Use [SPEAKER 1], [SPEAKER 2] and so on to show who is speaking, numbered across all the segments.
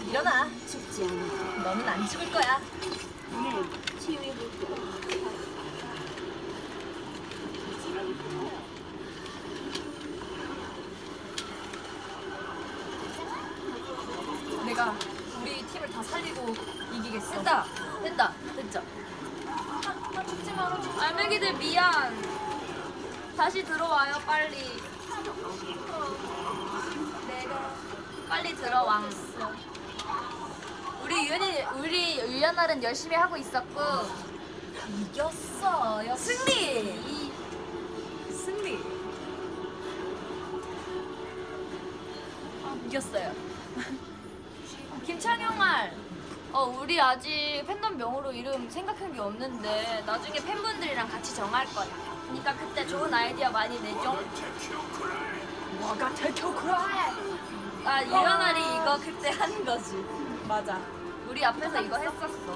[SPEAKER 1] 일어나.
[SPEAKER 2] 죽지 않아.
[SPEAKER 1] 너는 안 죽을 거야.
[SPEAKER 2] 네, 치유해볼게요.
[SPEAKER 1] 내가 우리 팀을 다 살리고 이기겠어.
[SPEAKER 3] 됐다. 됐다. 됐죠.
[SPEAKER 1] 나 죽지 마라.
[SPEAKER 3] 알맹이들 미안. 다시 들어와요 빨리.
[SPEAKER 1] 내가
[SPEAKER 3] 빨리 들어와. 우리 유연날은 열심히 하고 있었고
[SPEAKER 1] 이겼어. 역시.
[SPEAKER 3] 승리.
[SPEAKER 1] 승리. 이겼어요.
[SPEAKER 3] 김창용알. 우리 아직 팬덤명으로 이름 생각한 게 없는데 나중에 팬분들이랑 같이 정할 거야. 그러니까 그때 좋은 아이디어 많이 내죠.
[SPEAKER 1] 와가 테큐크라이.
[SPEAKER 3] 유연날이 이거 그때 한 거지.
[SPEAKER 1] 맞아.
[SPEAKER 3] 우리 앞에서 이거 했었어.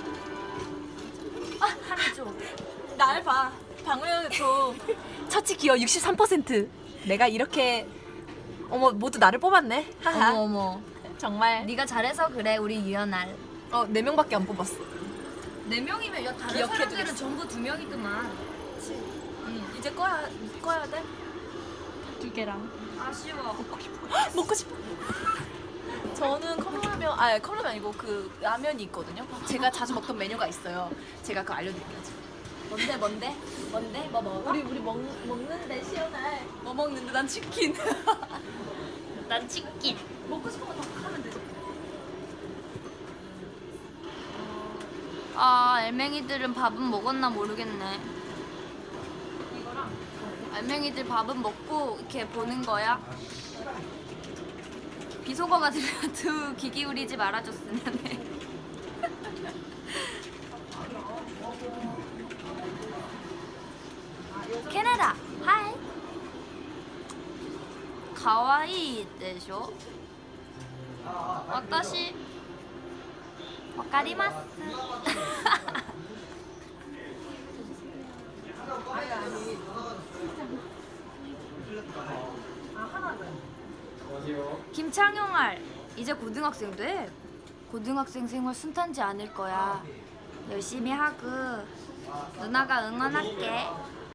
[SPEAKER 3] 한조.
[SPEAKER 1] 날 봐. 방울현초 처치 기여 63%. 내가 이렇게 어머 모두 나를 뽑았네. 하하.
[SPEAKER 3] 어머.
[SPEAKER 1] 정말.
[SPEAKER 3] 네가 잘해서 그래 우리 유연알.
[SPEAKER 1] 4명밖에 안 뽑았어.
[SPEAKER 3] 4명이면 야 다른
[SPEAKER 1] 기억해
[SPEAKER 3] 사람들은
[SPEAKER 1] 두겠어.
[SPEAKER 3] 전부 2명이더만.
[SPEAKER 1] 이제 꺼야 돼. 2개랑.
[SPEAKER 3] 아쉬워.
[SPEAKER 1] 먹고 싶어. 저는 컵라면 아니고 그 라면이 있거든요. 제가 자주 먹던 메뉴가 있어요. 제가 그거 알려드릴게요.
[SPEAKER 3] 뭔데? 뭐 먹어?
[SPEAKER 1] 우리 먹는데 시원해. 뭐 먹는데 난 치킨.
[SPEAKER 3] 난 치킨.
[SPEAKER 1] 먹고 싶은 거 다 하면 되지.
[SPEAKER 3] 알맹이들은 밥은 먹었나 모르겠네.
[SPEAKER 1] 이거랑
[SPEAKER 3] 알맹이들 밥은 먹고 이렇게 보는 거야. 비속어가 들려도 귀 기울이지 말아줬으면 해. 캐나다, 하이. 가와이 데쇼. 와타시 와카리마스. 김창용알 이제 고등학생 돼. 고등학생 생활 순탄지 않을 거야. 열심히 하고 누나가 응원할게.